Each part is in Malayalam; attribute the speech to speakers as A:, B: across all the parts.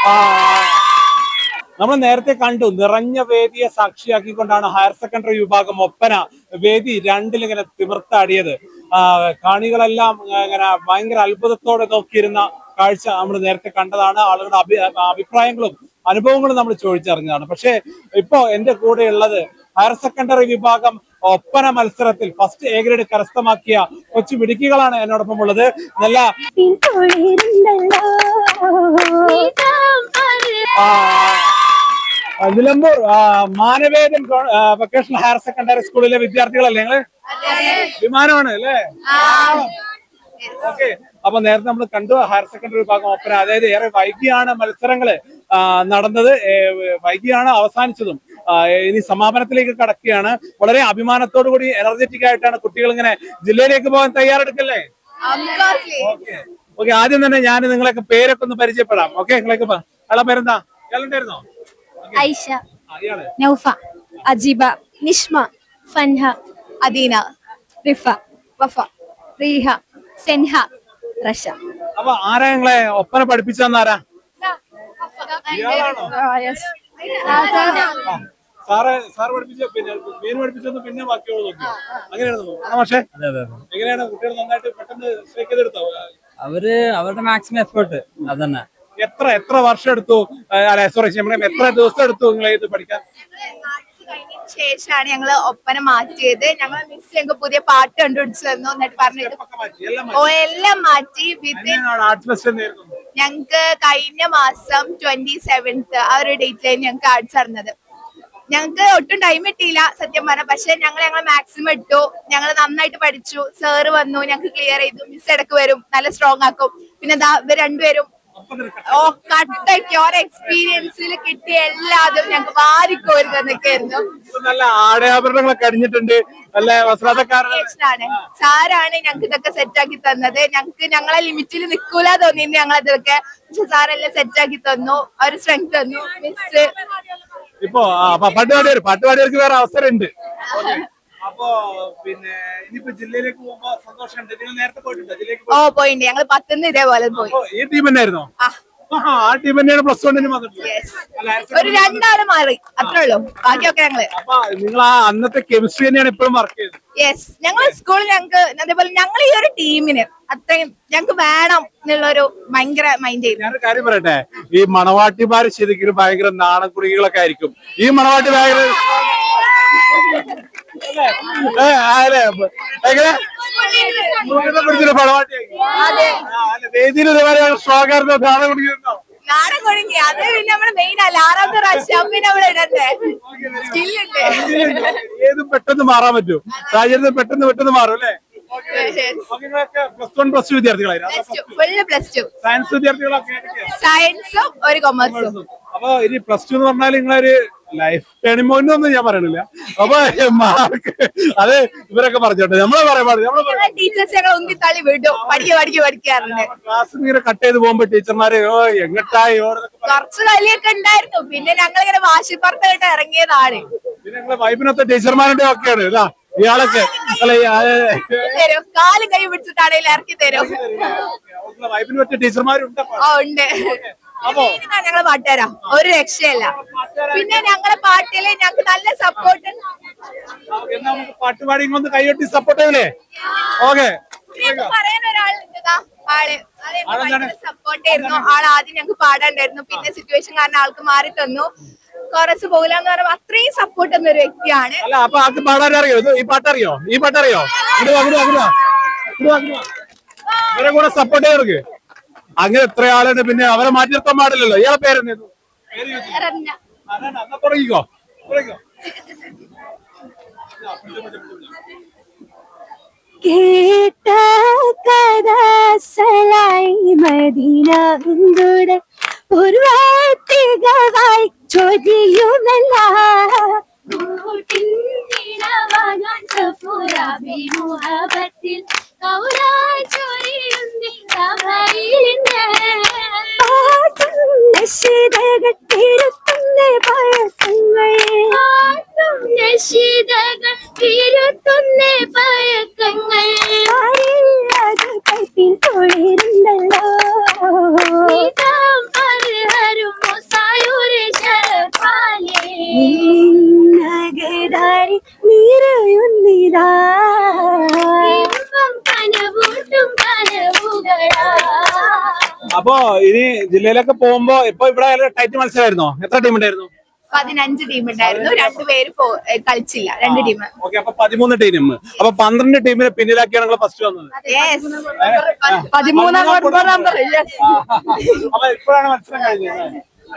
A: നമ്മൾ നേരത്തെ കണ്ടു നിറഞ്ഞ വേദിയെ സാക്ഷിയാക്കിക്കൊണ്ടാണ് ഹയർ സെക്കൻഡറി വിഭാഗം ഒപ്പന വേദി രണ്ടിലിങ്ങനെ തിമിർത്താടിയത്. കാണികളെല്ലാം ഇങ്ങനെ ഭയങ്കര അത്ഭുതത്തോടെ നോക്കിയിരുന്ന കാഴ്ച നമ്മൾ നേരത്തെ കണ്ടതാണ്. ആളുകളുടെ അഭിപ്രായങ്ങളും അനുഭവങ്ങളും നമ്മൾ ചോദിച്ചറിഞ്ഞതാണ്. പക്ഷേ ഇപ്പോ എന്റെ കൂടെ ഉള്ളത് ഹയർ സെക്കൻഡറി വിഭാഗം ഒപ്പന മത്സരത്തിൽ ഫസ്റ്റ് എ ഗ്രേഡ് കരസ്ഥമാക്കിയ കൊച്ചു മിടുക്കികളാണ് എന്നോടൊപ്പം ഉള്ളത്. നല്ല Nilambur Manavedan vocational higher secondary സ്കൂളിലെ വിദ്യാർത്ഥികളല്ലേ നിങ്ങള്? വിമാനമാണ് അല്ലേ? ഓക്കെ. അപ്പൊ നേരത്തെ നമ്മൾ കണ്ടു ഹയർ സെക്കൻഡറി വിഭാഗം ഒപ്പന, അതായത് ഏറെ വൈകിയാണ് മത്സരങ്ങള് നടന്നത്, വൈകിയാണ് അവസാനിച്ചതും. ഇനി സമാപനത്തിലേക്ക് കടക്കുകയാണ്. വളരെ അഭിമാനത്തോടു കൂടി എനർജറ്റിക് ആയിട്ടാണ് കുട്ടികൾ ഇങ്ങനെ ജില്ലയിലേക്ക് പോകാൻ തയ്യാറെടുക്കല്ലേ? ഓക്കെ. ആദ്യം തന്നെ ഞാൻ നിങ്ങളൊക്കെ പേരൊക്കെ ഒന്ന് പരിചയപ്പെടാം. ഓക്കെ, നിങ്ങളൊക്കെ അയാളെ പേരെന്താ? ഇയാളുണ്ടായിരുന്നോ?
B: ഐഷ, നൗഫ, അജീബ, നിഷ്മ, ഫൻഹ, അദീന, റിഫ, വഫ, റീഹ, സെൻഹ, റഷ.
A: അപ്പൊ ആരാ നിങ്ങളെ ഒപ്പന പഠിപ്പിച്ചെന്നാരാ? സാറ് പഠിപ്പിച്ച പിന്നെ മീൻ പഠിപ്പിച്ചൊന്ന് പിന്നെ ബാക്കിയോട് നോക്കി അങ്ങനെയായിരുന്നു. പക്ഷേ എങ്ങനെയാണ് കുട്ടികൾ നന്നായിട്ട് പെട്ടെന്ന് സ്ട്രൈക്ക് ചെയ്തെടുത്തോ?
C: അവരുടെ മാക്സിമം എഫേർട്ട് അതന്നെ.
A: എത്ര വർഷം എടുത്തു? സോറി, എത്ര ദിവസം എടുത്തു നിങ്ങൾ ഇത് പഠിക്കാൻ?
B: ശേഷമാണ് ഞങ്ങള് ഒപ്പന മാറ്റിയത്. ഞങ്ങളെ മിസ് ഞങ്ങൾക്ക് പുതിയ പാട്ട് കണ്ടുപിടിച്ചു തന്നു. എന്നിട്ട് പറഞ്ഞിട്ട് എല്ലാം മാറ്റി. ഞങ്ങക്ക് കഴിഞ്ഞ മാസം 27th ആ ഒരു ഡേറ്റിലായിരുന്നു ഞങ്ങൾക്ക് ആർട്സ് അറിഞ്ഞത്. ഞങ്ങൾക്ക് ഒട്ടും ടൈം കിട്ടിയില്ല സത്യം പറഞ്ഞ. പക്ഷെ ഞങ്ങളെ മാക്സിമം ഇട്ടു. ഞങ്ങൾ നന്നായിട്ട് പഠിച്ചു. സാറ് വന്നു, ഞങ്ങൾക്ക് ക്ലിയർ ചെയ്തു. മിസ് ഇടക്ക് വരും, നല്ല സ്ട്രോങ് ആക്കും. പിന്നെ ഇവർ രണ്ടുപേരും കട്ടയ്ക്ക് ഓരോ എക്സ്പീരിയൻസിൽ കിട്ടിയ എല്ലാതും ഞങ്ങൾക്ക് വാരിക്കോരുന്നൊക്കെയായിരുന്നു.
A: നല്ല ആടയാഭരണങ്ങളൊക്കെ അണിഞ്ഞിട്ടുണ്ട്.
B: സാറാണ് ഞങ്ങൾക്ക് ഇതൊക്കെ സെറ്റ് ആക്കി തന്നത്. ഞങ്ങളെ ലിമിറ്റിൽ നിൽക്കൂല തോന്നിയിരുന്നു ഞങ്ങളിതൊക്കെ. പക്ഷെ സാറെല്ലാം സെറ്റ് ആക്കി തന്നു. ഒരു സ്ട്രെങ്ത് തന്നു മിസ്.
A: ഇപ്പൊ പാട്ടുപാടിയവർക്ക് വേറെ അവസരമുണ്ട്. അപ്പൊ പിന്നെ ഇനിയിപ്പോ ജില്ലയിലേക്ക് പോകുമ്പോ സന്തോഷമുണ്ട്. നിങ്ങൾ നേരത്തെ പോയിട്ടുണ്ടോ ജില്ലയിലേക്ക്?
B: പോയിട്ടുണ്ട്. ഞങ്ങൾ 10th ഇതേപോലെ പോയി.
A: ഈ ടീം തന്നെയായിരുന്നോ? ആ ടീം തന്നെയാണ് പ്ലസ് വണ്ണിന് വന്നിട്ടുള്ളത്.
B: ഒരു 2 ആള് മാറി, അത്രേ ഉള്ളൂ. ബാക്കിയൊക്കെ ഞങ്ങള്.
A: അപ്പൊ നിങ്ങൾ ആ അന്നത്തെ കെമിസ്ട്രി തന്നെയാണ് ഇപ്പോഴും വർക്ക് ചെയ്തത്?
B: യെസ്. ഞങ്ങൾ സ്കൂളിൽ ഞങ്ങൾക്ക് അതേപോലെ ഞങ്ങൾ ഈ ഒരു ടീമിന് അത്രയും ഞങ്ങൾക്ക് വേണം എന്നുള്ളൊരു ഭയങ്കര മൈൻഡ് ചെയ്തു.
A: ഞാനൊരു കാര്യം പറയട്ടെ, ഈ മണവാട്ടിമാര് ശരിക്കും ഭയങ്കര നാണക്കുടികളൊക്കെ ആയിരിക്കും. ഈ മണവാട്ടി ഭയങ്കര വേദിയിൽ സ്വാഗതം നാണം കുടിക്കുന്നുണ്ടോ?
B: നാടൻ കുടുങ്ങി. അത് പിന്നെ നമ്മള് മെയിൻ അല്ല. 6ാമത്തെ പ്രാവശ്യം പിന്നെ നമ്മൾ ഇടണ്ടേ. സ്കില്ലുണ്ട്.
A: ഏതും പെട്ടെന്ന് മാറാൻ പറ്റും. സാഹചര്യത്തിൽ പെട്ടെന്ന് മാറും അല്ലേ? പ്ലസ് 1 പ്ലസ് 2 വിദ്യാർത്ഥികളായിരുന്നു. സയൻസ് വിദ്യാർത്ഥികളൊക്കെ? സയൻസും ഒരു കൊമേഴ്സും. അപ്പൊ ഇനി പ്ലസ് 2 എന്ന് പറഞ്ഞാൽ നിങ്ങളൊരു ലൈഫ് ടേണിംഗ് പോയിന്റ് ഒന്നും ഞാൻ പറയണില്ല. അപ്പൊ മാർക്ക് അത് ഇവരൊക്കെ പറഞ്ഞോട്ടെ. നമ്മളെ പറയാൻ
B: ടീച്ചേഴ്സ് ഞങ്ങൾ ഉന്തിത്തള്ളി വിടും. പഠിക്കാറുണ്ട്.
A: ക്ലാസ് ഇങ്ങനെ കട്ട് ചെയ്ത് പോകുമ്പോ ടീച്ചർമാര് എങ്ങട്ടായി
B: കുറച്ച് കളിയൊക്കെ ഉണ്ടായിരുന്നു. പിന്നെ ഞങ്ങൾ ഇങ്ങനെ വാശിപ്പുറത്തായിട്ട് ഇറങ്ങിയതാണ്.
A: പിന്നെ ഞങ്ങളെ വൈബിനൊത്ത ടീച്ചർമാരുടെ ഒക്കെയാണ് ഇതാ ഇയാളൊക്കെ
B: കാലും കൈ പിടിച്ചിട്ടാണെങ്കിൽ ഇറക്കി തരും.
A: വൈബിന് പറ്റിയ ടീച്ചർമാരുണ്ട്.
B: ഉണ്ട്. ഞങ്ങള് പാട്ടുകാരാ, ഒരു രക്ഷയല്ല. പിന്നെ ഞങ്ങളെ പാട്ടില് ഞങ്ങൾക്ക് നല്ല സപ്പോർട്ട്.
A: പാട്ടുപാടി കൊണ്ട് കൈയൊട്ടി സപ്പോർട്ട് ചെയ്യല്ലേ? ഓക്കെ.
B: പറയാൻ ഒരാളുണ്ട്. സപ്പോർട്ട് ആയിരുന്നു. ആൾ ആദ്യം ഞങ്ങൾക്ക് പാടാണ്ടായിരുന്നു. പിന്നെ സിറ്റുവേഷൻ കാരണം ആൾക്ക് മാറി തന്നു. കോറസ് പോകില്ലെന്ന് പറയുമ്പോ അത്രയും സപ്പോർട്ട് തന്ന ഒരു വ്യക്തിയാണ്.
A: അല്ല അപ്പൊ ആൾക്ക് പാടാനറിയോ? ഈ പാട്ടറിയോ? ഇവരെ കൂടെ സപ്പോർട്ട് ചെയ്യർക്ക് അങ്ങനെ എത്ര ആളുണ്ട്. പിന്നെ അവരെ മാറ്റി നിർത്താൻ പാടില്ലല്ലോ. ഇയാളെ പേരെന്തായിരുന്നു? തുടങ്ങിക്കോ.
D: കേട്ട കഥ സലായി മദീന ഇന്ദുടെ പൂർവാത്തികവായി ചോദ്യയുമല്ല പഴക്കങ്ങൾ തൊഴിലുണ്ടല്ലോ
A: അപ്പൊ ഇനി ജില്ലയിലൊക്കെ പോകുമ്പോ ഇപ്പൊ ഇവിടെ ടൈറ്റ് മത്സരമായിരുന്നോ? എത്ര ടീം ഉണ്ടായിരുന്നു?
B: 15 ടീം ഉണ്ടായിരുന്നു, 2 പേര് കളിച്ചില്ല, 2 ടീം.
A: ഓക്കെ, അപ്പൊ 13 ടീം. അപ്പൊ 12 ടീമിനെ പിന്നിലാക്കിയാണ് നിങ്ങൾ ഫസ്റ്റ് വന്നത്.
B: 13 നമ്പർ.
A: അപ്പൊ ഇപ്പോഴാണ് മത്സരം കഴിഞ്ഞത്.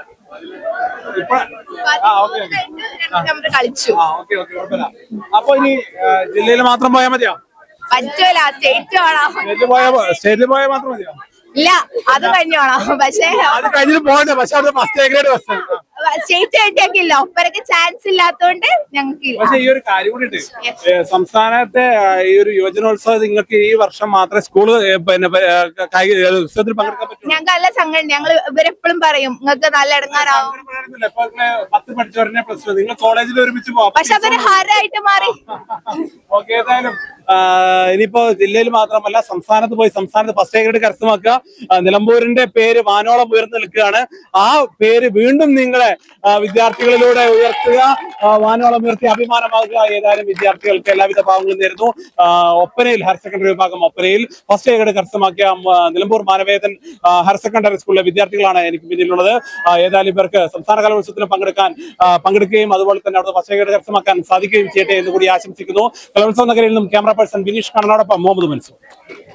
B: കളിച്ചു.
A: അപ്പൊ ഇനി ജില്ലയിൽ മാത്രം പോയാൽ മതിയോ?
B: പറ്റൂല,
A: സ്റ്റേറ്റിൽ പോയാൽ മാത്രം മതിയോ?
B: ഇല്ല, അത് കഴിഞ്ഞോണം. പക്ഷേ
A: അത് കഴിഞ്ഞിട്ട് പോകണ്ടേ? പക്ഷെ അത് ഫസ്റ്റ് എ ഗ്രേഡ് ബസ്
B: സ്റ്റേറ്റ് ആയിട്ടൊക്കെയില്ല, ഒപ്പരക്ക് ചാൻസ് ഇല്ലാത്തോണ്ട് ഞങ്ങൾക്ക്.
A: പക്ഷെ ഈ ഒരു കാര്യം കൂടിയിട്ട് സംസ്ഥാനത്തെ ഈ ഒരു യുവജനോത്സവം നിങ്ങൾക്ക് ഈ വർഷം മാത്രമേ സ്കൂള് പിന്നെ കായിക ഉത്സവത്തിൽ പങ്കെടുക്കാൻ പറ്റൂ.
B: ഞങ്ങൾക്ക് നല്ല സംഘടന. ഞങ്ങൾ ഇവരെപ്പോഴും പറയും നിങ്ങൾക്ക് നല്ല ഇടങ്ങാറാവും.
A: 10 പഠിച്ചവരെ പ്ലസ് നിങ്ങൾ കോളേജിൽ ഒരുമിച്ച് പോവാം.
B: പക്ഷെ അതൊരു ഹരമായിട്ട് മാറി.
A: ഓക്കെ, ഏതായാലും ഇനിയിപ്പോ ജില്ലയിൽ മാത്രമല്ല സംസ്ഥാനത്ത് പോയി സംസ്ഥാനത്ത് ഫസ്റ്റ് ഗ്രേഡ് കരസ്ഥമാക്കുക. നിലമ്പൂരിന്റെ പേര് വാനോളം ഉയർന്നു നിൽക്കുകയാണ്. ആ പേര് വീണ്ടും നിങ്ങളെ വിദ്യാർത്ഥികളിലൂടെ ഉയർത്തുക, വാനോളം ഉയർത്തി അഭിമാനമാകുക. ഏതായാലും വിദ്യാർത്ഥികൾക്ക് എല്ലാവിധ ഭാവങ്ങളും നേരുന്നു. ഒപ്പനയിൽ ഹയർ സെക്കൻഡറി വിഭാഗം ഒപ്പനയിൽ ഫസ്റ്റ് ഗ്രേഡ് കരസ്ഥമാക്കിയ നിലമ്പൂർ മാനവേദൻ ഹയർ സെക്കൻഡറി സ്കൂളിലെ വിദ്യാർത്ഥികളാണ് എനിക്ക് പിന്നിലുള്ളത്. ഏതായാലും ഇവർക്ക് സംസ്ഥാന കലോത്സവത്തിന് പങ്കെടുക്കുകയും അതുപോലെ തന്നെ അവിടെ ഫസ്റ്റ് ഗ്രേഡ് കരസ്ഥമാക്കാൻ സാധിക്കുകയും ചെയ്യട്ടെ എന്ന് കൂടി ആശംസിക്കുന്നു. കലോത്സവ നഗരിയിൽ നിന്നും ക്യാമറ പേഴ്സൺ ബിനീഷ് കണ്ണനോടൊപ്പം മുഹമ്മദ് മൻസൂർ.